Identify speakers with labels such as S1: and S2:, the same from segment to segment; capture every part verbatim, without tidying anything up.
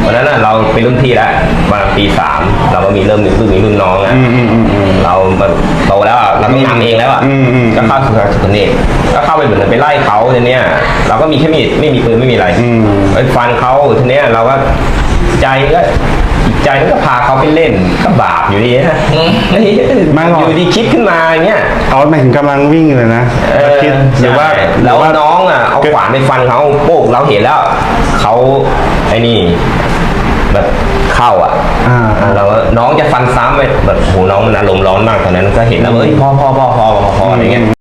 S1: วันนั้นเราเป็นรุ่นพี่แล้วประมาณปีสามเราก็มีเริ่มมีรุ่นนี้รุ่นน้องนะเราโตแล้วเราต้องทำเองแล้วอ่ะก็เข้าสู่สุขเนตก็เข้าไปเหมือนไปไล่เขาทีเนี้ยเราก็มีแค่มีดไม่มีปืนไม่มีอะไรไปฟันเขาทีเนี้ยเราก็ใจก็ใจมันก็พาเขาไปเล่นก็บาปอยู่ดีนะอยู่ดีคิดขึ้นมาอย่างเงี้ย
S2: เอาหมายถึงกำลังวิ่งเลยนะคิดหรือว่า
S1: แล้วน้องอ่ะเอาขวานไปฟันเขาโป๊กเราเห็นแล้วเขาไอ้นี่แบบเข้าอ่ะเราน้องจะฟันซ้ำไปแบบโหน้องมันอารมณ์ร้อนมากตอนนั้นก็เห็นแล้วเฮ้ยพ่อพ่อพ่อพ่อพ่อพ่ออะไรเงี้ย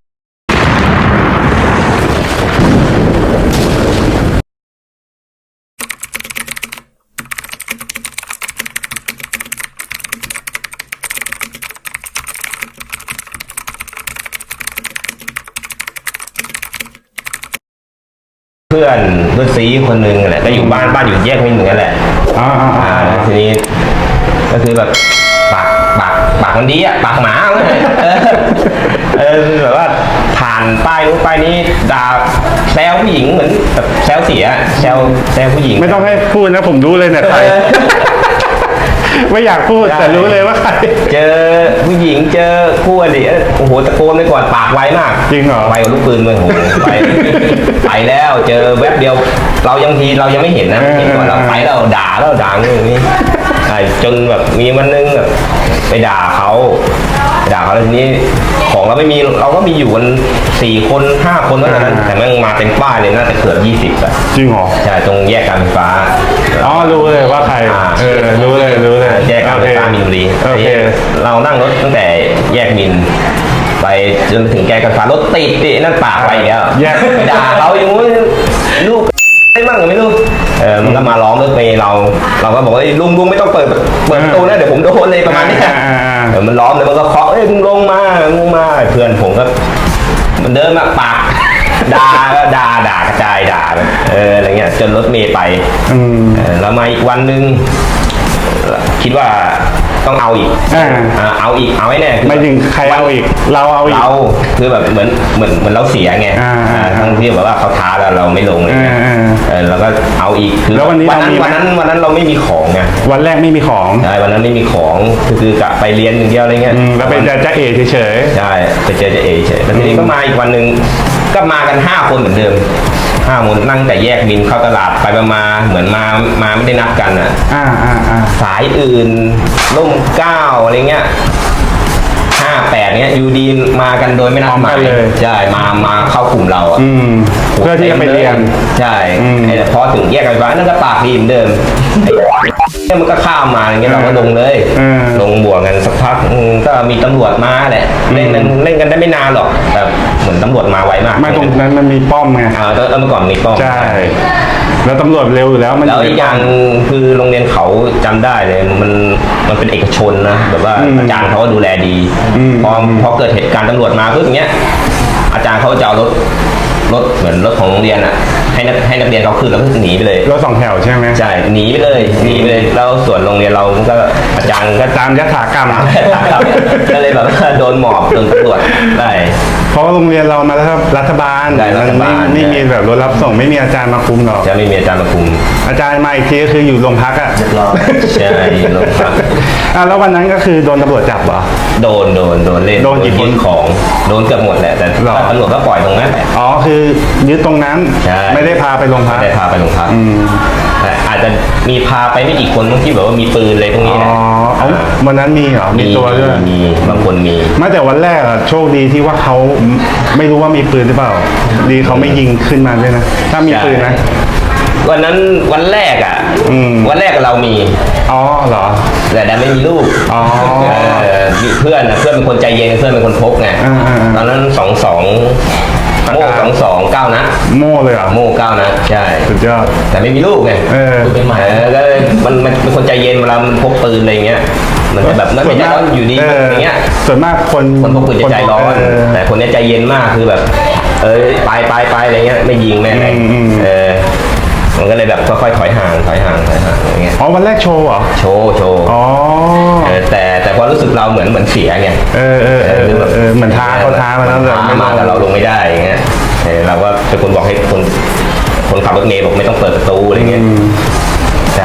S1: เพื่อนเพื่อนซีคนหนึ่งแหละก็อยู่บ้านบ้านอยู่แยกมินเหมือนกันแหละอ่าอ่าทีนี้ก็คือแบบปากปากปากมันดีอ่ะปากหมาเออแบบว่าผ่านป้ายนู้นป้ายนี้ด่าแซวผู้หญิงเหมือนแบบแซวเสียแซวแซวผู้หญิง
S2: ไม่ต้องให้พูดนะผมรู้เลยเนี่ยใครไม่อยากพูดแต่รู้เลยว่าใคร
S1: เจอผู้หญิงเจอคู่อริโอ้โหตะโกนไปก่อนปากไวมาก
S2: จริงเหรอ
S1: ไวกว่าลูกปืนเลยโอ้โหไปไปแล้วเจอแวบเดียวเรายังทีเรายังไม่เห็นนะเห็นก่อนเราไปแล้วด่าแล้วด่าอย่างนี้จนแบบมีวันนึงแบบไปด่าเขาด่าเขาแล้วทีนี้ของเราไม่มีเราก็มีอยู่กันสี่คนห้าคนเท่านั้นแต่แม่งมาเต็มป้ายเลยน่าจะเกือบยี่สิบอะ
S2: จริงเหรอ
S1: ใช่ตรงแยกการไฟฟ้า
S2: อ๋อรู้เลยว่าใครเออรู้เลยรู้เลย
S1: แยกการไฟฟ้ามินบุรีเรานั่งรถตั้งแต่แยกมินไปจนถึงแยกการไฟฟ้ารถติดตินั่นปากไปแล้วไปด่าเขาอย่างนู้นลูกไม่มั่งไม่รู้เออมันก็มาร้องรถเมย์เราเราก็บอกว่าลุงลุงไม่ต้องเปิดเปิดประตูนะเดี๋ยวผมโดนเลยประมาณนี้เออมันร้องเลยมันก็เคาะเอ้ยมึงลงมามึงมาเพื่อนผมก็มันเดินมาปากด่าก็ด่าด่ากระจายด่าเอออะไรเงี้ยจนรถเมย์ไปแล้วมาอีกวันนึงคิดว่าต้องเอาอีกเอาอีกเอาไว้แน่
S2: ไม่ถึงใครเอาอีกเราเอาอีก
S1: เราคือแบบเหมือนเหมือนเหมือนเราเสียไงทั้งที่แบบว่าเขาท้าแล้วเราไม่ลงเลยเราก็เอาอีกคือวันนั้นวันนั้นวันนั้นเราไม่มีของไง
S2: วันแรกไม่มีของ
S1: ใช่วันนั้นไม่มีของคือคือกะไปเรียนอย่างเดียวอะไรเงี้ย
S2: แล้วไปเจอจ่าเอ๋เฉย
S1: ๆใช่ไปเจอจ่าเอ๋เฉยแล้วทีนี้ก็มาอีกวันนึงก็มากันห้าคนเหมือนเดิมห้าคนนั่งแต่แยกบินเข้าตลาดไปมาเหมือนมามาไม่ได้นัดกันอ่ะ
S2: อ่าอ่าอ่า
S1: สายอื่นร่มเก้าอะไรเงี้ยห้าแปดเนี้ยยูดีมากันโดยไม่นัดหมายใช่มามาเข้ากลุ่มเราอ่ะ
S2: เพื่อที่จะไปเรียน
S1: ใช่แต่พอถึงแยกกันไปนั่นก็ปากดีเหมือนเดิมเนี่ยมันก็ข้ามมาอย่างเงี้ยเราก็ลงเลยลงบวกกันสักพักก็มีตำรวจมาแหละเล่นกันเล่นกันได้ไม่นานหรอกแต่เหมือนตำรวจมาไวมาก
S2: มาตรงนั้นมันมีป้อมไง
S1: อ่าเมื่อก่อนมีป้อม
S2: ใช่แล้วตำรวจเร็วอยู่แล้ว
S1: มันแล้วอีกอย่างคือโรงเรียนเขาจำได้เลยมันมันเป็นเอกชนนะแบบว่าอาจารย์เขาก็ดูแลดีพอพอเกิดเหตุการณ์ตำรวจมาเพื่ออย่างเงี้ยอาจารย์เขาจะเอารถรถเหมือนรถของโรงเรียนอ่ะให้นักให้นักเรียนเขาขึ้นแล้วก็หนีไปเลย
S2: รถสองแถวใช่ไหม
S1: ใช่หนีไปเลยหนีไปเลยแล้วส่วนโรงเรียนเราก็อาจารย์ก็
S2: ตามยถากรรม
S1: ก็เลยแบบโดนหมอบโดนตำรวจได้
S2: เพราะโรงเรียนเรามาแล้วรัฐบาลไม่ไม่มีแบบรถรับส่งไม่มีอาจารย์มาคุมหรอก
S1: จะไม่มีอาจารย์มาคุม
S2: อาจารย์มาอีกทีก็คืออยู่โรงพักอ่ะ
S1: ใช่โรงพัก
S2: อ่ะแล้ววันนั้นก็คือโดนตำรวจจับเหรอ
S1: โดนโดนโดนเล่น
S2: โดนกี่คน
S1: ของโดนเกือบหมดแหละแต่ตำรวจก็ปล่อยตรงนั้น
S2: อ๋อคือยึดตรงนั้นไม่ได้พาไปโรงพัก
S1: ไม่ได้พาไปโรงพักแต่อาจจะมีพาไปไม่กี่คนที่แบบว่ามีปืนอะไรตรงนี้นะ
S2: อ๋อวันนั้นมีเหรอมีตัวด้วย
S1: มีบางคนมี
S2: ไม่แต่วันแรกอะโชคดีที่ว่าเขาไม่รู้ว่ามีปืนหรือเปล่าดีเขาไม่ยิงขึ้นมาด้วยนะถ้ามีปืนนะ
S1: วันนั้นวันแรกอ่ะวันแรกเรามี
S2: อ๋อเหรอ
S1: แต่ดันไม่มีลูก
S2: อ๋อ
S1: มีเพื่อนเพื่อนเป็นคนใจเย็นเพื่อนเป็นคนพกไงตอนนั้นสองสองโม่สองสองเก้านะ
S2: โม่เลยอ่ะ
S1: โม่เก้านะใช่
S2: สุดยอด
S1: แต่ไม่มีลูกไง
S2: เออ
S1: เป็นใหม่ก็มันมันเป็นคนใจเย็นเวลามันพกปืนอะไรเงี้ยมันจะแบบนั่นไม่ใช่ร้อนอยู่ดีอย่างเงี้ย
S2: ส่วนมากคน
S1: คนพกปืนจะใจร้อนแต่คนนี้ใจเย็นมากคือแบบเออไปไปไปอะไรเงี้ยไม่ยิงแม่ไหนเออมันก็เลยแบบค่อยๆถอยห่างถอยห่างถอยห่างอย่างเงี้ย
S2: อ๋อวันแรกโชว์เหรอ
S1: โชว์โชว์
S2: อ๋อ
S1: แต่แต่ความรู้สึกเราเหมือนเหมือนเสียไง
S2: เออเออเออเออเหมือนท้าเขาท้ามาแล้ว
S1: แต่มาแต่เราลงไม่ได้อย่างเงี้ยเราก็เป็นคนบอกให้คนคนขับรถเมล์บอกไม่ต้องเปิดประตูอะไรเงี้ยใช่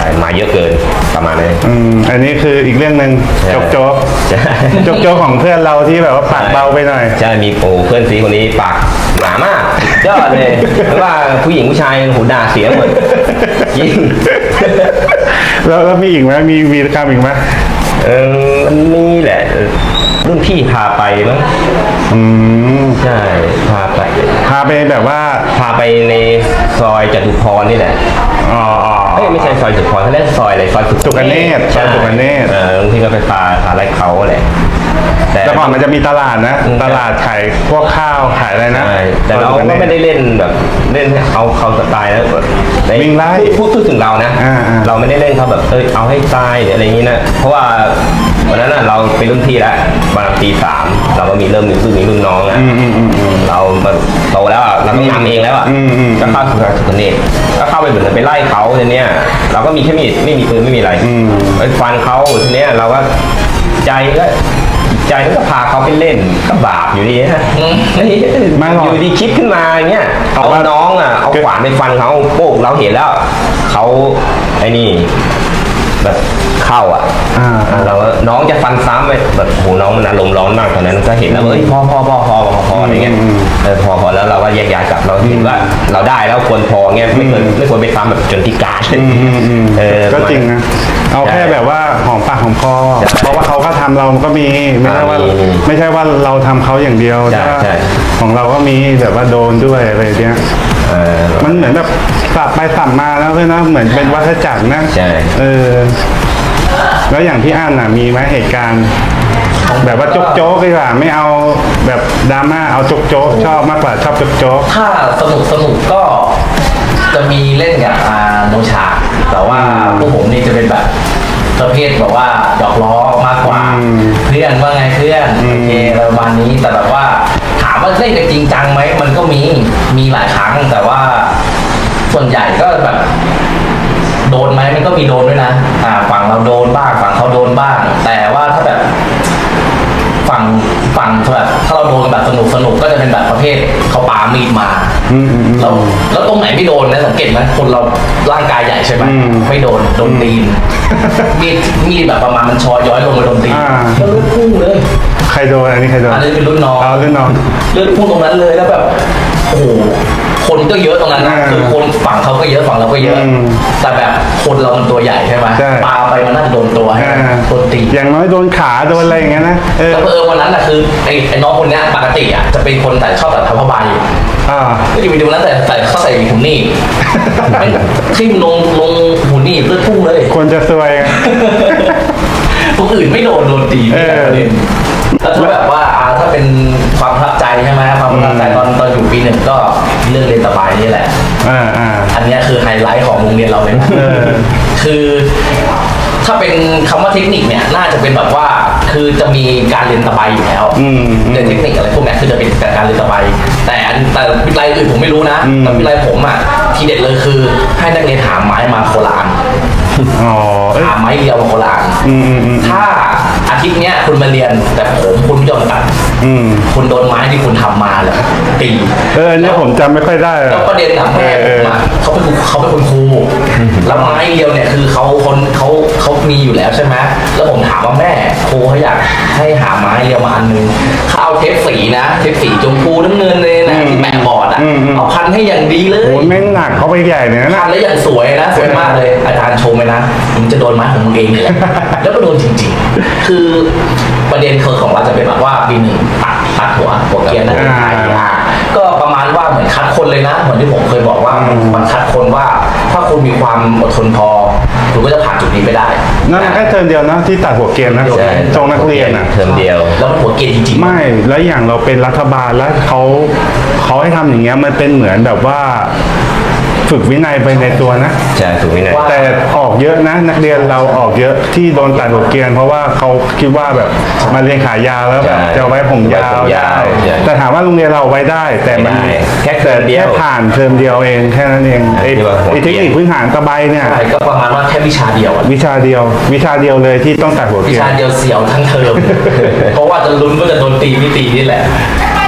S1: มาเยอะเกินประมาณนี้
S2: อืมอันนี้คืออีกเรื่องหนึ่ง
S1: ใช่
S2: โจ๊กโจ๊ก
S1: ใช่
S2: โจ๊กโจ๊กของเพื่อนเราที่แบบว่าปากเบาไปหน่อย
S1: ใช่มีโอ้เพื่อนซีคนนี้ปากหนามากยอดเลยไม่ว่าผู้หญิงผู้ชายหูด่าเสียหมดจริง
S2: แล้วแล้วมีอีกไหมมีวีรกรรมอีกไหม
S1: เออมันนี่แหละรุ่นพี่พาไปมั้ง
S2: อืม
S1: ใช่พาไป
S2: พาไปแบบว่า
S1: พาไปในซอยจตุพรนี่แหละ
S2: อ๋ออ๋อ
S1: เอ้ยไม่ใช่ซอยจตุพรเขาเรียกซอยอะไรซอยสุ
S2: สุขเนตรซอยสุขเนตร
S1: เออบางทีก็ไปพาพาไล่เขาแหละแต่
S2: แต่ก่อนมันจะมีตลาดนะ
S1: อืม
S2: ตลาดขายพวกข้าวขายอะไรนะ
S1: ใช่แต่เราก็ไม่ได้เล่นแบบเล่นเอาเขาสไตล์นะแบบใน
S2: วิ่งไล่
S1: พูดพูดถึงเรานะ
S2: อ่าอ่า
S1: เราไม่ได้เล่นเขาแบบเอ้ยเอาให้ตายหรืออะไรอย่างนี้นะเพราะว่าวันนั้นน่ะเราเป็นรุ่นพี่แล้วประมาณปีสามเราก็มีเริ่มมีรุ่นมีรุ่นน้องอ่ะ
S2: อืมอืมอืมอืม
S1: เราแบบโตแล้วอ่ะเราต้องทำเองแล้วอ่ะ
S2: อืมอืม
S1: ก็เข้าสู่การสุขเนตรก็เข้าไปเหมือนไปไล่เขาทีเนี้ยเราก็มีแค่มีดไม่มีปืนไม่มีอะไร
S2: อืม
S1: ไปฟันเขาทีเนี้ยเราก็ใจก็ใจก็พาเขาไปเล่นก็บาปอยู่ดีนะ
S2: ไม่หรอก
S1: อยู่ดีคิดขึ้นมาอย่างเงี้ย
S2: เอา
S1: เอา
S2: ว่า
S1: น้องอ่ะเอาขวานไปฟันเขาโป๊กเราเห็นแล้วเขาไอ้นี่แบบเข้าอ่ะ
S2: อ่า
S1: อ่าเราก็น้องจะฟันซ้ำไปแบบโหน้องมันอารมณ์ร้อนมากตอนนั้นก็เห็นแล้วเอ้ยพอพอพอพอพอพออะไรเงี้ย
S2: อืม
S1: เออพอพอแล้วเราก็แยกย้ายกลับเราเห็นว่าเราได้แล้วควรพอเงี้ยไม่ควรไม่ควรไปซ้ำแบบจนพิการ
S2: อืมอืมอืม
S1: เออ
S2: ก็จริงนะ เอาแค่แบบว่าหอมปากหอมคอ
S1: ใช่
S2: เพราะว่าเขาก็ทำเราก็มี ไม่ใช่ว่า
S1: อ่ามี
S2: ไม่ใช่ว่าเราทำเขาอย่างเดียว
S1: ใช่
S2: แต่ว่า
S1: ใช่
S2: ของเราก็มีแบบว่าโดนด้วยอะไรเงี้ย
S1: เออ
S2: มันเหมือนแบบสับไปสับมาแล้วเลยนะ เหมือนเป็นวัฏจักรนะ
S1: ใช่
S2: เออ แล้วอย่างพี่อั้นน่ะมีไหมเหตุการณ์ แบบว่าโจ๊กโจ๊กดีกว่าไม่เอาแบบดราม่าเอาโจ๊กโจ๊กชอบมากกว่าชอบโจ๊กโจ๊ก
S3: ถ้าสนุกสนุกก็จะมีเล่นกับอาโนชา แต่ว่าพวกผมนี่จะเป็นแบบประเภทแบบว่าหยอกล้อมากกว่า
S2: อืม
S3: เพื่อนว่าไงเพื่อน
S2: อืม
S3: โอเคประมาณนี้แต่แบบว่าถามว่าเล่นกันจริงจังไหมมันก็มีมีหลายครั้งแต่ว่าส่วนใหญ่ก็แบบ โดนไหมมันก็มีโดนด้วยนะอ่าฝั่งเราโดนบ้างฝั่งเขาโดนบ้าง แต่ว่าถ้าแบบ ฝั่งฝั่งแบบถ้าเราโดนแบบสนุกสนุกก็จะเป็นแบบประเภทเขาปามีดมา
S2: อืมอืมอืม
S3: แล้วแล้วตรงไหนไม่โดนนะสังเกตไหมคนเราร่างกายใหญ่ใช่ไหม
S2: อืม
S3: ไม่โดนโดนตีนมีดมีดแบบประมาณมันชอย้อยลงมาโดนตีน
S2: อ่า
S3: แล้วเลือดพุ่งเลย
S2: ใครโดนอันนี้ใครโดน
S3: อันนี้เป็นรุ่นน้อง
S2: เอารุ่นน้อง
S3: เลือดพุ่งตรงนั้นเลยแล้วแบบโอ้โหคนก็เยอะตรงนั้นนะ
S2: อ่า
S3: คือคนฝั่งเขาก็เยอะฝั่งเราก็เยอะ
S2: อืม
S3: แต่แบบคนเรามันตัวใหญ่ใช่ไหม
S2: ใช่
S3: ปาไปมันน่าจะโดนตัวใช่ไหม
S2: อ่า
S3: โดนตีน
S2: อย่างน้อยโดนขาโดนอะไรอย่างเงี้ยนะเออ
S3: แล้วเออวันนั้นน่ะคือไอ้ไอ้น้องคนเนี้ยปกติอ่ะจะเป็นคนแต่ชอบแต่ทำผ้าใบ
S2: อ่า
S3: ก็จะไปดูนั้นแต่ใส่เขาใส่หุ่นนี่ไม่ทิ่มลงลงหุ่นนี่เลือดพุ่งเลย
S2: ควรจะซวย
S3: คนอื่นไม่โดนโดนตี
S2: เออ
S3: แล้วถ้าแบบว่าอ่าถ้าเป็นความประทับใจใช่ไหมความประทับใจตอนตอนอยู่ปีหนึ่งก็เรื่องเรียนสบายนี่แหละ
S2: อ่าอ่า
S3: อันเนี้ยคือไฮไลท์ของโรงเรียนเราเลยนะ
S2: เออ
S3: คือถ้าเป็นคำว่าเทคนิคเนี่ยน่าจะเป็นแบบว่าคือจะมีการเรียนตะไบอยู่แล้ว
S2: อืมอืม
S3: เรียนเทคนิคอะไรพวกเนี้ยคือจะเป็นการเรียนตะไบแต่อันแต่วิทยาลัยอื่นผมไม่รู้นะ
S2: อืม
S3: แต่วิทยาลัยผมอ่ะทีเด็ดเลยคือให้นักเรียนหาไม้มาโคลาน
S2: อ๋อเอ้ย
S3: หาไม้เดียวมาโคลาน
S2: อืมอืมอืม
S3: ถ้าอาทิตย์เนี้ยคุณมาเรียนแต่ผมคุณไม่ยอมตัด
S2: อืม
S3: คุณโดนไม้ที่คุณทำมาเลยตี
S2: เอออันนี้ผมจำไม่ค่อยได้อะ
S3: แล้วประเด็นอะแม่ผมอะเขาเป็นครูเขาเป็นคุณครูแล้วไม้เดียวเนี่ยคือเขาคนเขาเขามีอยู่แล้วใช่ไหมแล้วผมถามว่าแม่ครูเขาอยากให้หาไม้เดียวมาอันนึงเขาเอาเทปสีนะเทปสีชมพูน้ำเงินเลยนะที่แปะบอร์ดอะเอาพันให้อย่างดีเลย
S2: โอ้ยแม่งหนักเขาไปใหญ่เนี่ย
S3: พั
S2: นะ
S3: นแล้วอย่างสวยนะสวยมากเลยอาจารย์ชมเลยนะผมจะโดนไม้ของมึงเองนี่แหละแล้วก็โดนจริงๆ คือประเด็นคือของเราจะเป็นแบบว่าปีหนึ่งตัดตัดหัวหัวเกรียนนักเรียนไทยอ่ะก็ประมาณว่าเหมือนคัดคนเลยนะเหมือนที่ผมเคยบอกว่ามันคัดคนว่าถ้าคุณมีความอดทนพอคุณก็จะผ่านจุดนี้ไปได้
S2: นั่นแค่เทอมเดียวนะที่ตัดหัวเกรียนนะ
S1: ใช่
S2: ตรงนักเรียนอ่ะ
S1: เทอมเดียว
S3: แล้วมันหัวเกรียนจริงๆ
S2: ไม่แล้วอย่างเราเป็นรัฐบาลแล้วเขาเขาให้ทำอย่างเงี้ยมันเป็นเหมือนแบบว่า ฝึกวินัยไปในตัวนะ
S1: ใช่ถูกไหมเนี่ย
S2: แต่ออกเยอะนะ นักเรียนเราออกเยอะที่โดนตัดหัวเกรียน เพราะว่าเขาคิดว่าแบบมาเรียนขายาวแล้วแบบ
S1: ใช่
S2: จะเอาไว้ผมยาว
S1: ไว้ผมยาว
S2: ได้
S1: ใช่
S2: แต่ถามว่าโรงเรียนเราเอาไว้ได้ แต่มัน
S1: ไม่ได้แค่เทอมเดียว
S2: แค่ผ่านเทอมเดียวเองแค่นั้นเองไอ้
S1: ที่ว่าหัว
S2: ไอ้เทคนิคพื้นฐานตะไบเนี่ย
S3: ใช่ก็ประมาณว่าแค่วิชาเดียวอะ
S2: วิชาเดียว วิชาเดียวเลยที่ต้องตัดหัวเก
S3: วิ
S2: รียน
S3: ชาเดียวเสียวทั้งเทอม เพราะว่าจะลุ้นว่าจะโดนตีไม่ตีนี่แหละ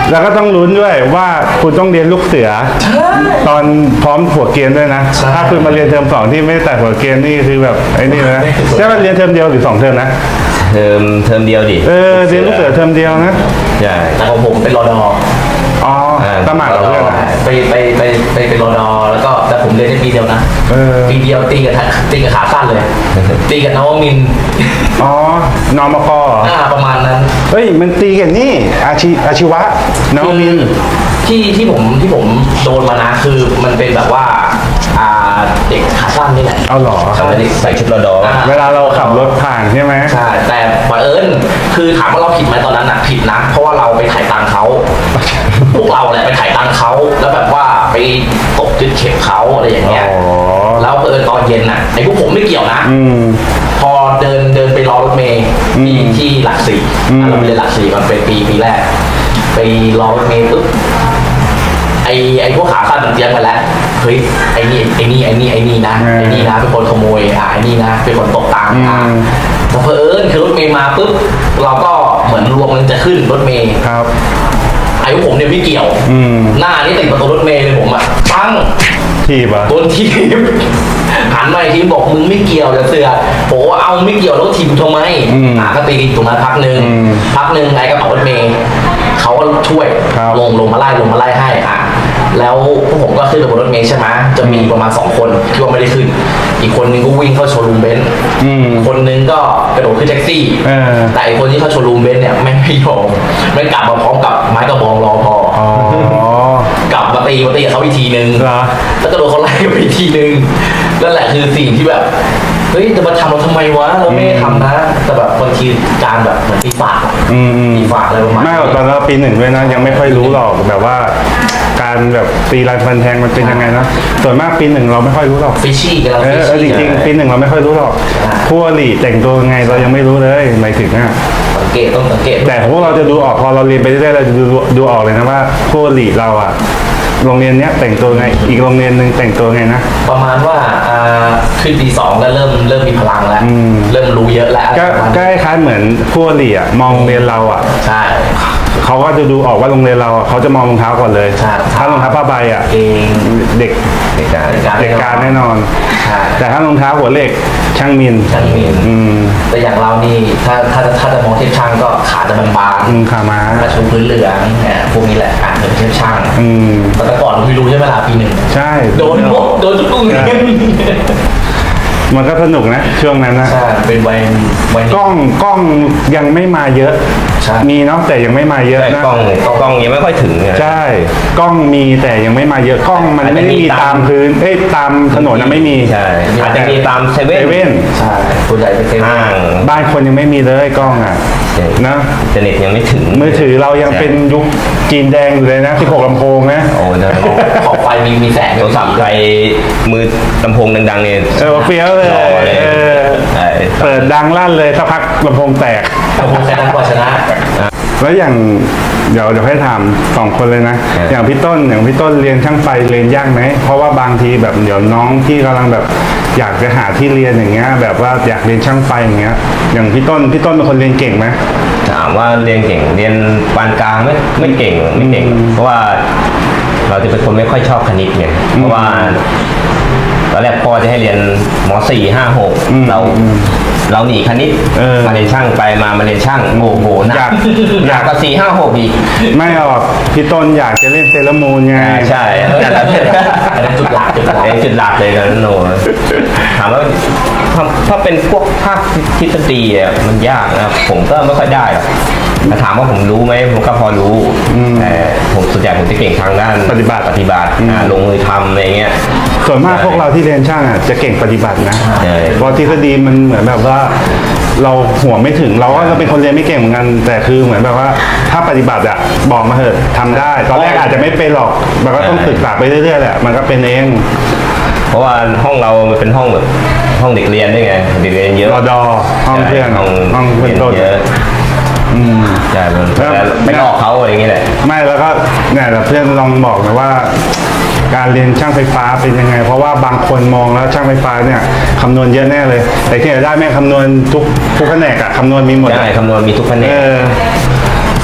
S2: แล้วก็ต้องลุ้นด้วยว่าคุณต้องเรียนลูกเสือ ตอนพร้อมหัวเกณฑ์ด้วยนะ ถ้าคุณมาเรียนเทอมสองที่ไม่แต่หัวเกณฑ์นี่คือแบบไอ้นี่นะใช่ไหมเรียนเทอมเดียวหรือสองเทอมนะ
S1: เทอมเทอมเดียวดิ
S2: เออเรียนลูกเสือเทอมเดียวนะ
S1: ใช่
S3: แต่ของผมเป็นรอดอ
S2: อ๋อสมัครกับเพื่อนอะ
S3: ไปไปไปไปเป็นรอดอแล้วก็แต่ผมเรียนได้ปีเดียวนะ
S2: เออ
S3: ปีเดียวตีกับตีกับขาสั้นเลย ตีกับนวมินทร์
S2: อ๋อนอมกเหรอ
S3: อ่าประมาณนั้น
S2: เฮ้ยมันตีกันนี่อาชีอาชีวะนวมินทร์
S3: ที่ที่ผมที่ผมโดนมานะคือมันเป็นแบบว่าอ่าเด็กขาสั้นนี่แหละ
S2: เอาเหรอ
S3: ใช่
S1: ใส่ชุดรอดอ
S3: อ่า
S2: เวลาเราขับรถผ่านใช่ไหม
S3: ใช่แต่บังเอิญคือถามว่าเราผิดไหมตอนนั้นนะผิดนะ เพราะว่าเราไปถ่ายตังค์เขาพวกเราแหละไปถ่ายตังค์เขาแล้วแบบว่าไปตบยึดเข็มเขาอะไรอย่างเงี้ย
S2: อ๋อ
S3: แล้วเออตอนเย็นน่ะไอ้พวกผมไม่เกี่ยวนะ
S2: อืม
S3: พอเดินเดินไปรอรถเมย์ที่
S2: อืม
S3: ที่หลักสี่
S2: อืม
S3: เราไปเรียนหลักสี่มันเป็นปีปีแรก ไปรอรถเมย์ปุ๊บไอ้ไอ้พวกขาสั้นมันเตรียมกันแล้วเฮ้ยไอ้นี่ไอ้นี่ไอ้นี่ไอ้นี่นะไอ้นี่นะเป็นคนขโมยอ่ะไอ้นี่นะเป็นคนตกตังค์อ่ะแต่เผอิญคือรถเมย์มาปุ๊บเราก็เหมือนรวมมันจะขึ้นรถเมย์
S2: ครับ
S3: ไอ้พวกผมเนี่ยไม่เกี่ยว
S2: อืม
S3: หน้านี่ติดประตูรถเมย์เลยผมอ่ะปัง
S2: ทีบอ่ะ
S3: โดนทีมหันมาอีกทีบอกมึงไม่เกี่ยวจะเสือกโอ้เอาไม่เกี่ยวแล้วทีมทำไม
S2: อืม
S3: อ่ะก็ตีตรงนั้นพักหนึ่ง
S2: อืม
S3: พักหนึ่งไอ้กระเป๋ารถเมย์เขาก็ช่วย
S2: ครับ
S3: ลงลงมาไล่ลงมาไล่ให้อ่ะแล้วพวกผมก็ขึ้นไปบนรถเมย์ใช่ไหมจะมีประมาณสองคนที่ว่าไม่ได้ขึ้น อีกคนนึงก็วิ่งเข้าโชว์รูมเบนซ์
S2: อืม
S3: คนนึงก็กระโดดขึ้นแท็กซี่
S2: เออ
S3: แต่อีกคนที่เข้าโชว์รูมเบนซ์เนี่ยไม่ไม่ยอมไม่กลับมาพร้อมกับไม้กระบองรอพอ
S2: อ๋อ
S3: กลับมาตีมาตีกับเขาอีกทีนึง
S2: เหรอ
S3: แล้วก็โดนเขาไล่ไปอีกทีนึงนั่นแหละคือสิ่งที่แบบ เฮ้ยจะมาทำเราทำไมวะ เราไม่ได้ทำนะ แต่แบบบางทีการแบบเหมือนตีฝากอะ
S2: อืมอืม
S3: ตีฝากอะไรประมาณ
S2: ไม่หรอกตอนเราปีหนึ่งด้วยนะยังไม่ค่อยรู้หรอกแบบว่า การแบบตีลายฟันแทงมันเป็นยังไงนะส่วนมากปีหนึ่งเราไม่ค่อยรู้หรอก
S3: ฟิชชี่กันเรา
S2: เอ
S3: ฟิ
S2: อ
S3: ช
S2: เออจ
S3: ชี่
S2: ริงๆปีหนึ่งเราไม่ค่อยรู้หรอก
S3: อ่า
S2: ผู้อริแต่งตัวยังไงเรายังไม่รู้เลยหมายถึงอ่ะ
S3: สังเกตต้องสังเกต
S2: แต่พวกเราจะดูออกพอเราเรียนไปเรื่อยๆเราจะดูดูออกเลยนะว่าผู้อริเราอ่ะโรงเรียนเนี้ยแต่งตัวไงอีกโรงเรียนหนึ่งแต่งตัวไงนะ
S3: ประมาณว่าอ่าขึ้นปีสองก็เริ่มเริ่มมีพลังแล้ว
S2: อืม
S3: เริ่มรู้เยอะแล้ว
S2: ก็
S3: อะไรประมาณ
S2: ก็
S3: นั้น
S2: คล้ายๆเหมือนผู้อริอ่ะมองโรงเรียนเราอ่ะ
S3: ใช่
S2: เขาก็จะดูออกว่าโรงเรียนเราอ่ะเขาจะมองรองเท้าก่อนเลย
S3: ใช่
S2: ถ้ารองเท้าผ้าใบอ่ะ
S3: เอง
S2: เด็ก
S1: เด็กการ
S2: เด็กการแน่นอน
S3: ใช่
S2: แต่ถ้ารองเท้าหัวเหล็กช่างมิน
S3: ช่างมิน
S2: อืม
S3: แต่อย่างเรานี่ถ้าถ้าถ้าจะมองเทียบช่างก็ขาจะบาง
S2: อืมขาม้า
S3: ๆกระชูพื้นเหลืองเนี่ยพวกนี้แหละอ่านเป็นเทียบช่าง
S2: อืม
S3: แต่ก่อนเราไม่รู้ใช่ไหมล่ะปีหนึ่ง
S2: ใช่
S3: โดนหมดโดนทุกโรงเรียน
S2: มันก็สนุกนะช่วงนั้นนะ
S3: ใช่เป็นวัยวัย
S2: กล้องกล้องยังไม่มาเยอะ
S3: ใช่
S2: มีเนาะแต่ยังไม่มาเยอะ
S1: ใช่
S2: นะ
S1: กล้องกล้องยังไม่ค่อยถึงเนี่ย
S2: ใช่กล้องมีแต่ยังไม่มาเยอะกล้องมัน
S1: อาจจะ
S2: ไม่ได้
S1: มี
S2: มี
S1: ตาม
S2: ตามพื้นเอ้ยตามถนนนะไม่มี
S1: ใช่อาจจะมีตามเซ
S2: เซ
S1: เว่น
S2: เว่น
S3: ใช่ส่วนใหญ่เป็นเซเว่
S1: ห้าน ง
S2: บ้านคนยังไม่มีเลยกล้องอ่ะ
S1: ใช่
S2: นะ
S1: อินเทอร์เน็ตยังไม่ถึง
S2: มือถือเรายังเป็นยุคจีนแดงอยู่เลยนะสิบหกลำโพงนะ
S1: โอ้ยนะ
S3: ขอบไฟมีมีแสง
S1: โทรศัพท์ใครมือลำโพงดังๆเนี่ย
S2: เออเฟี้ยวเลย
S1: หล่อเลย
S2: เออ
S1: ใช่
S2: เปิดดังลั่นเลยสักพักลำโพงแตก
S3: แต่ผมแค่นั้นก็ชนะ
S2: แล้วอย่างเดี๋ยวเดี๋ยวให้ถามสองคนเลยนะ อย่างพี่ต้นอย่างพี่ต้นเรียนช่างไฟเรียนยากไหมเพราะว่าบางทีแบบเดี๋ยวน้องที่กำลังแบบอยากจะหาที่เรียนอย่างเงี้ยแบบว่าอยากเรียนช่างไฟอย่างเงี้ยอย่างพี่ต้นพี่ต้นเป็นคนเรียนเก่งไหม
S1: ถามว่าเรียนเก่งเรียนปานกลางไม่ไม่เก่งไม่เก่ง
S2: อืม
S1: เพราะว่าเราจะเป็นคนไม่ค่อยชอบคณิตไงเพราะว่าตอนแรกพ่อจะให้เรียนมสี่ห้าหก
S2: อืม
S1: เราเราหนีคณิต
S2: เออ
S1: มาเรียนช่างไปมามาเรียนช่างโอ้โหหนั
S2: อยาก ก
S1: หนักกว่าสี่ห้าหกอีก
S2: ไม่หรอกพี่ต้นอยากจะเล่นเซเลอรามูนไง
S1: อ่าใช่นั่นแหละ
S3: อันนั้นจุดหลักจุดหลัก
S1: ไอ้จุดหลักเลยกันโนถามว่าถ้าถ้าเป็นพวกภาคทฤษฎีอ่ะมันยากนะครับผมก็ไม่ค่อยได้หรอกแต่ถามว่าผมรู้ไหมผมก็พอรู้แต่ผมส่วนใหญ่ผมจะเก่งทางด้าน
S2: ปฏิบัติ
S1: ปฏิบัติอ่าลงมือทำอะไรเงี้ย
S2: ส่วนมากพวกเราที่เรียนช่างอ่ะจะเก่งปฏิบัตินะ
S1: ใช่
S2: เพราะทฤษฎีมันเหมือนแบบว่า เราหัวไม่ถึงเราก็เป็นคนเรียนไม่เก่งเหมือนกัน แต่คือเหมือนแบบว่าถ้าปฏิบัติอ่ะบอกมาเถอะทำได้ ตอนแรกอาจจะไม่เป็นหรอกมันก็ต้องศึกษาไปเรื่อยๆแหละมันก็เป็นเอง
S1: เพราะว่าห้องเรามันเป็นห้องแบบห้องเด็กเรียนด้วยไงเด็กเรียนเยอะ
S2: รอดอห้องเพื่อน
S1: ใช่ห้อง
S2: ห้องเพื่อน
S1: เรียน
S2: ต้น
S1: เยอะ
S2: อืม
S1: ใช่มัน
S2: แล้ว
S1: ไปหลอกเขาอะไรอย่างเงี้ยแหละ
S2: ไม่แล้วก็เนี่ยแต่เพื่อนลองบอกนะว่า การเรียนช่างไฟฟ้าเป็นยังไง เพราะว่าบางคนมองแล้วช่างไฟฟ้าเนี่ยคำนวณเยอะแน่เลย แต่ที่ไหนได้แม่งคำนวณทุกทุกแผนกอะคำนวณมีหมดอะ
S1: ใช่คำนวณมีทุกแผน
S2: เอก อ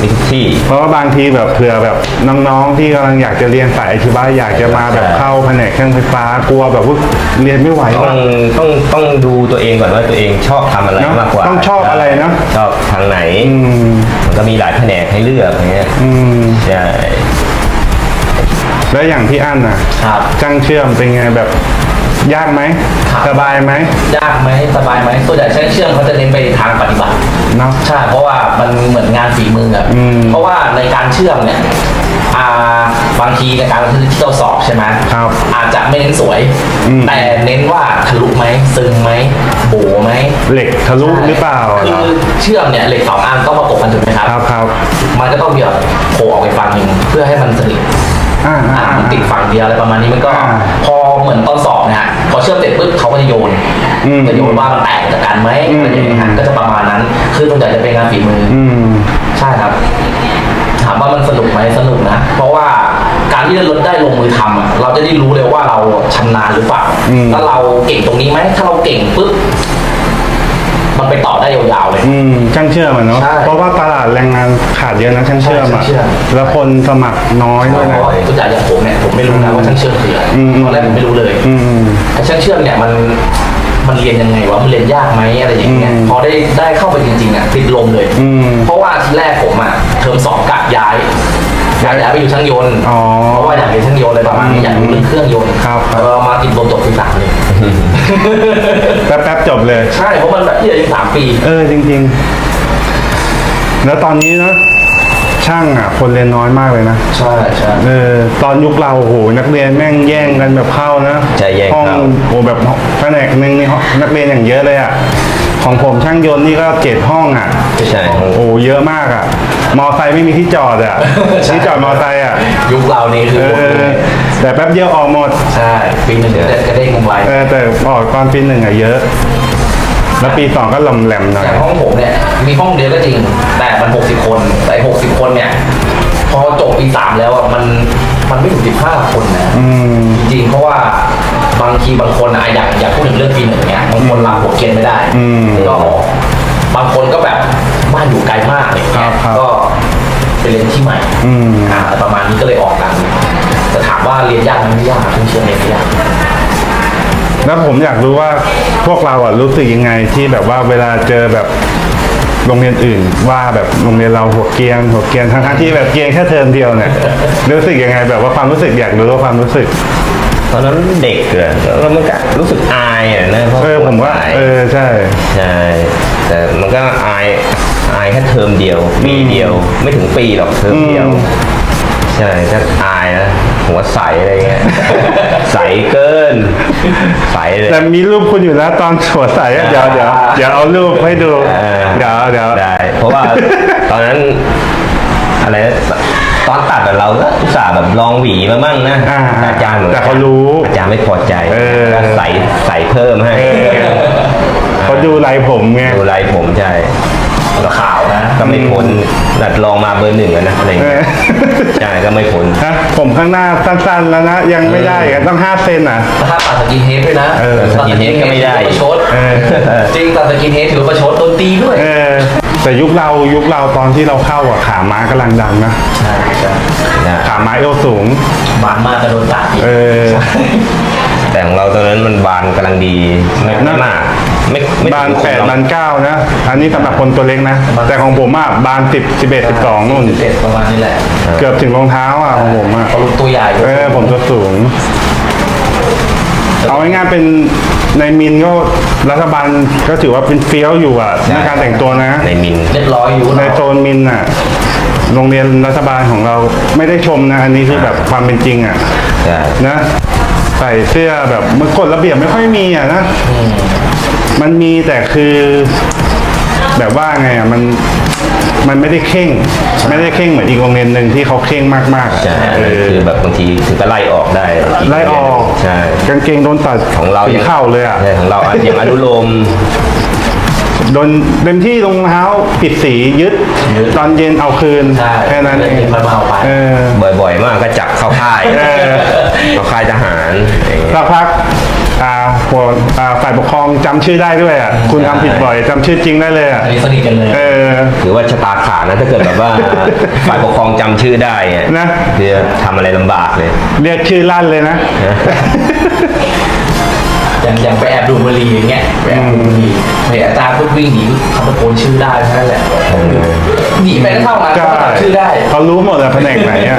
S1: มีทุกที่
S2: เพราะว่าบางทีแบบเผื่อแบบน้องๆที่กำลังอยากจะเรียนสายอาชีวะอยากจะมาแบบเข้าแผนกเครื่องไฟฟ้ากลัวแบบว่าเรียนไม่ไหว
S1: ต้
S2: ว่า
S1: องต้องต้องดูตัวเองก่อนว่าตัวเองชอบทำอะไร
S2: เนอะ
S1: มากกว่า
S2: ต้องชอบอะไรเนอะ
S1: ชอบทางไหน
S2: อืม
S1: มันก็มีหลายแผนกให้เลือกอย่างเงี้ย
S2: อืม
S1: ใช่
S2: แล้วอย่างพี่อั้นน่ะ
S3: ครับ
S2: ช่างเชื่อมเป็นไงแบบยากไหม
S3: ครับ
S2: สบายไหม
S3: ยากไหมสบายไหมส่วนใหญ่ช่างเชื่อมเขาจะเน้นไปทางปฏิบัติ
S2: เนาะ
S3: ใช่เพราะว่ามันเหมือนงานฝีมืออะ
S2: อืม
S3: เพราะว่าในการเชื่อมเนี่ยอ่าบางทีในการที่เราสอบใช่ไหม
S2: ครับ
S3: อาจจะไม่เน้นสวย
S2: อืม
S3: แต่เน้นว่าทะลุไหมซึงไหมโบไหม
S2: เหล็กทะลุหรือเปล่า
S3: คือเชื่อมเนี่ยเหล็กสองอันต้องประกบกันถูกไหมครับ
S2: ครับครับ
S3: มันก็ต้องมีแบบโผล่ออกไปฝั่งหนึ่งเพื่อให้มันสนิท
S2: อ่า
S3: อ่า
S2: อ่า
S3: มันติดฝั่งเดียวอะไรประมาณนี้มันก็
S2: อ่า
S3: พอเหมือนตอนสอบนะฮะพอเชื่อมเสร็จปุ๊บเขาก็จะโยน
S2: อืม
S3: จะโยนว่ามันแตกจากกันไหม
S2: อืม
S3: อะไรอย่างเงี้ยฮะก็จะประมาณนั้น คือส่วนใหญ่จะเป็นงานฝีมืออ
S2: อืม
S3: ใช่ครับ ถามว่ามันสนุกไหมสนุกนะ เพราะว่าการที่เราได้ลงมือทำอะเราจะได้รู้เลยว่าเราชำนาญหรือเปล่า
S2: อืม
S3: ถ้าเราเก่งตรงนี้ไหมถ้าเราเก่งปุ๊บมันไปต่อได้ยาวๆเลย
S2: อืมช่างเชื่อมอะเนาะ
S3: ใช่
S2: เพราะว่าตลาดแรงงานขาดเยอะนะช่างเชื่อม
S3: ใช่
S2: อะ
S3: ช่างเชื่อม
S2: แล้วคนสมัครน้อยด้วยนะ
S3: ทุกอย่างอย่างผมเนี่ยผมไม่รู้นะว่าช่างเชื่อมคืออะไร
S2: อืม
S3: ตอนแรกผมไม่รู้เลย
S2: อืม
S3: แต่ช่างเชื่อมเนี่ยมันมันเรียนยังไงวะมันเรียนยากไหมอะไรอย่างเงี้ย
S2: อืม
S3: พอได้ได้เข้าไปจริงๆอ่ะติดลมเลย
S2: อืม
S3: เพราะว่าทีแรกผมอ่ะเทอมสองกะย้ายย้ายย้ายไปอยู่ช่างยนต์
S2: อ๋อ
S3: เพราะว่าอยากเรียนช่างยนต์อะไรประมาณนี้อยากรู้เรื่องเครื่องยนต์
S2: ครับ
S3: เออมาติดลมจบปีสามเลย
S2: แป๊บๆจบเลย
S3: ใช่เพราะมันแบบที่อายุสามปี
S2: เออจริงๆ แล้วตอนนี้นะช่างอ่ะ คนเรียนน้อยมากเลยนะ
S3: ใช่ใช่
S2: เออตอนยุคเราโอ้โหนักเรียนแม่งแย่งกันแบบเข้านะ
S1: ใช่แย่ง
S2: ห้อง
S1: เข้า
S2: โอ้แบบแผนกหนึ่งนี่ห้องนักเรียนอย่างเยอะเลยอ่ะของผมช่างยนต์นี่ก็เจ็ดห้องอ่ะ
S1: ใช่
S2: โอ้เยอะมากอ่ะ มอไซค์ไม่มีที่จอดอ่ะ ที่จอดมอไซค์อ่ะ
S3: ยุคเรานี่คือ
S2: เอ
S3: หมด
S2: อ
S3: เลย
S2: แต่แป๊บเดียวออกหมด
S3: ใช่ปีหนึ่งจะกระเด้งลงไป
S2: เออแต่ออกตอนปีหนึ่งอ่ะเยอะ แล้วปีสองก็หลำแหลมหน่อย
S3: อย่างห้องผมเนี่ยมีห้องเดียวก็จริง แต่มันหกสิบคนแต่หกสิบคนเนี่ย พอจบปีสามแล้วอ่ะมันมันไม่ถึงสิบห้าคนนะ
S2: อืม
S3: จริงๆเพราะว่าบางทีบางคนอะอยากอยากพูดถึงเรื่องปีหนึ่งเนี่ยบางคนลาหัวเกณฑ์ไม่ได้
S2: อืม
S3: ก็บางคนก็แบบบ้านอยู่ไกลมากอะไรเงี้ย
S2: ครับ
S3: ก็ไปเรียนที่ใหม่
S2: อืม
S3: อ่าประมาณนี้ก็เลยออกกันแต่ถามว่าเรียนยากไหมไม่ยากเพิ่งเชื่อเรียนไม่ยาก
S2: แล้วผมอยากรู้ว่าพวกเราอ่ะรู้สึกยังไงที่แบบว่าเวลาเจอแบบโรงเรียนอื่นว่าแบบโรงเรียนเราหัวเกรียนหัวเกรียนทั้งๆที่แบบเกรียนแค่เทอมเดียวเนี่ย รู้สึกยังไงแบบว่าความรู้สึกอยากรู้ว่าความรู้สึก
S1: ตอนนั้นเด็กเกินแล้วมันก็รู้สึกอายอ่ะนะพระ
S2: เออผมว่า
S1: อาย
S2: เออใช่
S1: ใช่แต่มันก็อายอายแค่เทอมเดียวปีเดียว ไม่ถึงปีหรอกเทอมเดียว
S2: อืม
S1: ใช่ถ้าอายนะหัวใสอะไรเงี้ย ใสเกิน ใสเลย
S2: แต่มีรูปคุณอยู่แล้วตอนหัวใสอะเดี๋ยวเดี๋ยวเดี๋ยวเอารูปให้ดู
S1: เออ
S2: เดี๋ยวเดี๋ยว
S1: ได้ เพราะว่า ตอนนั้น อะไรนะตอนตัดอะเราก็อุตส่าห์แบบลองหวีมามั่งนะ
S2: อ่า
S1: อาจารย์บอก
S2: แต่เขารู้
S1: อาจารย์ไม่พอใจ
S2: เออ
S1: ก็ใส่ใส่เพิ่มให้
S2: เออเขาดูลายผมไง
S1: ดูลายผมใช่
S3: ขาวนะ
S1: ก็ไม่พ้นนัดลองมาเบอร์หนึ่งอะนะอะไร
S2: เอ
S1: เงี้
S2: อย
S1: ใช่ก็ไม่พ้น
S2: ฮะผมข้างหน้าสั้นๆแล้วนะ ยังไม่ได้อะต้องห้าเซนอ่ะ
S3: ถ้าตัดสกินเฮดด้วยนะ
S2: เออ
S3: ตัดสกินเฮดก็ไม่ได้ประชด
S2: เออ
S3: จริงตัดสกินเฮดถือว่าประชดโดนตีด้วย
S2: เออแต่ยุคเรายุคเราตอนที่เราเข้าอ่ะขาม้ากำลังดังนะ
S3: ใช่ใช่
S1: นะ
S2: ขาม้าเอวสูง
S3: บางมากก็โดนตัดอีก
S2: เออ
S1: แต่ของเราตอนนั้นมันบานกำลังดีไม่ไม่มากไม่ไม่
S2: บาน
S1: ถึง
S2: แปด
S1: หรอก
S2: บานเก้านะ อันนี้สำหรับคนตัวเล็กนะ แต่ของผมอ่ะบานสิบสิบเอ็ดสิบสองนู่น
S3: สิบเอ็ดประมาณนี้แหละ
S2: เกือบถึงรองเท้าอ่ะของผมอ่ะ
S3: เขาลุกตัวใหญ่
S2: เออผมตัวสูง เอาง่ายๆเป็นในมินก็รัฐบาลก็ถือว่าเป็นเฟี้ยวอยู่อ่ะในการแต่งตัวนะ
S1: ในมิน
S3: เรียบร้อยอยู่
S2: ในโซนมินอ่ะ โรงเรียนรัฐบาลของเราไม่ได้ชมนะ อันนี้คือแบบความเป็นจริงอ่ะ
S1: ใช่
S2: นะใส่เสื้อแบบมันกฎระเบียบไม่ค่อยมีอ่ะนะ มันมีแต่คือ แบบว่าไงอ่ะมันมันไม่ได้เข่ง ไม่ได้เข่งเหมือนอีกโรงเรียนหนึ่งที่เขาเข่งมากๆอ่ะ
S1: ใช่
S2: เออ
S1: คือแบบบางทีถึงก็ไล่ออกได้
S2: ไล่ออก
S1: ใช่
S2: กางเกงโดนตัด
S1: ของเรา
S2: ถึ
S1: ยัง
S2: เข่าเลยอ่ะ
S1: ใช่ของเราอะอย่างอนุโลม
S2: โดนเต็มที่รองเท้าผิดสียึด ตอนเย็นเอาคืน
S3: ใช่
S2: แค่นั้นเอง
S3: ค่อยมาเอาไป
S2: เออ
S1: บ่อยๆ มากก็จับเข้าค่าย
S2: เออ
S1: เข้าค่ายทหารอย่างเงี้ย
S2: สักพักอ่าผพวกอ่าฝ่ายปกครองจำชื่อได้ด้วยอ่ะคุณทำผิดบ่อยจำชื่อจริงได้เลยอ่ะ
S3: อันนี้สนิทกันเลย
S2: เออ
S1: ถือว่าชะตาขาดนะถ้าเกิดแบบว่า ฝ่ายปกครองจำชื่อได้เนี่ย
S2: นะ
S1: คือทำอะไรลำบากเลย
S2: เรียกชื่อลั่นเลยนะ
S3: อย่างอย่างไปแอบดูดบุหรี่อย่างเงี้ยไปแอบดูดบุหรี่เห็นอาจารย์ปุ๊บวิ่งหนีเขาตะโกนชื่อได้แค่นั้นแหละหนีไปแล้วเข้ามา
S2: ใช่
S3: เขาก็จำชื่อได้
S2: เขารู้หมดเลยแผนกไหนอ่ะ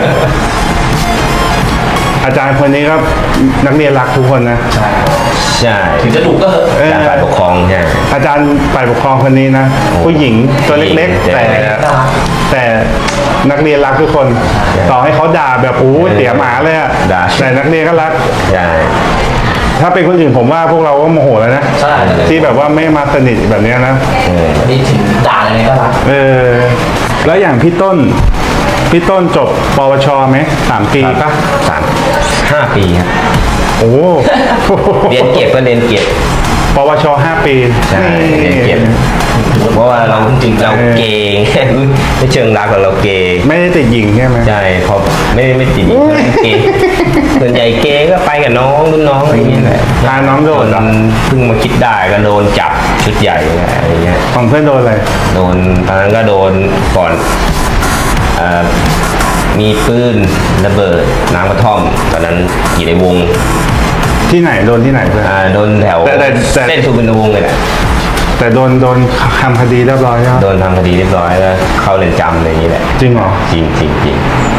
S2: อาจารย์คนนี้ก็นักเรียนรักทุกคนนะ
S3: ใช่
S1: ใช่
S3: ถึงจะดุก็เหอะ
S2: เออ
S1: การฝ่ายปกครองใช่
S2: อาจารย์ฝ่ายปกครองคนนี้นะ ผู้หญิงตัวเล็กๆ แต่ แต่นักเรียนรักทุกคน ต่อให้เขาด่าแบบโอ้เสียหมาเลยอะ
S1: ด่า
S2: แต่นักเรียนก็รัก
S1: ใช่
S2: ถ้าเป็นคนอื่นผมว่าพวกเราก็โมโหแล้วนะ
S3: ใช่
S2: ที่แบบว่าไม่มาสนิทแบบเนี้ยนะ
S1: เออ
S3: วันนี้ถึงด่าอะไรก็รัก
S2: เออ แล้วอย่างพี่ต้น พี่ต้นจบปวชไหมสามปีปะ
S1: สามห้าปีครับ
S2: โอ้
S1: เรียนเก็บก็เรียนเก็บ
S2: ปวชห้าปี
S1: ใช่เรียนเก็บ เพราะว่าเราจริงๆเราเกง ไม่เชิงรักหรอกเราเกง
S2: ไม่ได้ติดหญิงใช่ไหม
S1: ใช่เพราะไม่ไม่ติดเกงส่วนใหญ่เกงก็ไปกับน้องรุ่นน้องอะไรอย่างเงี้ยแหละ
S2: พาน้องโด
S1: โด
S2: น
S1: น
S2: เหรอ
S1: เพิ่งมาคิดได้ก็โดนจับชุดใหญ่อะไรเงี้ย
S2: ของเพื่อนโดนอะไร
S1: โดนตอนนั้นก็โดนก่อนเอ่อมีปืนระเบิดน้ำกระท่อมตอนนั้นอยู่ในวง
S2: ที่ไหนโดนที่ไหนเพื่อน
S1: อ่าโดนแถว
S2: แต่แต่แต่
S1: เส้นสุวรรณวงศ์เลยแหละ
S2: แต่โดนโดนทำคดีเรียบร้อยแล้ว
S1: โดนทำคดีเรียบร้อยแล้วเข้าเรือนจำอะไรอย่างนี้แหละ
S2: จริงเหรอ
S1: จริงจริงจริง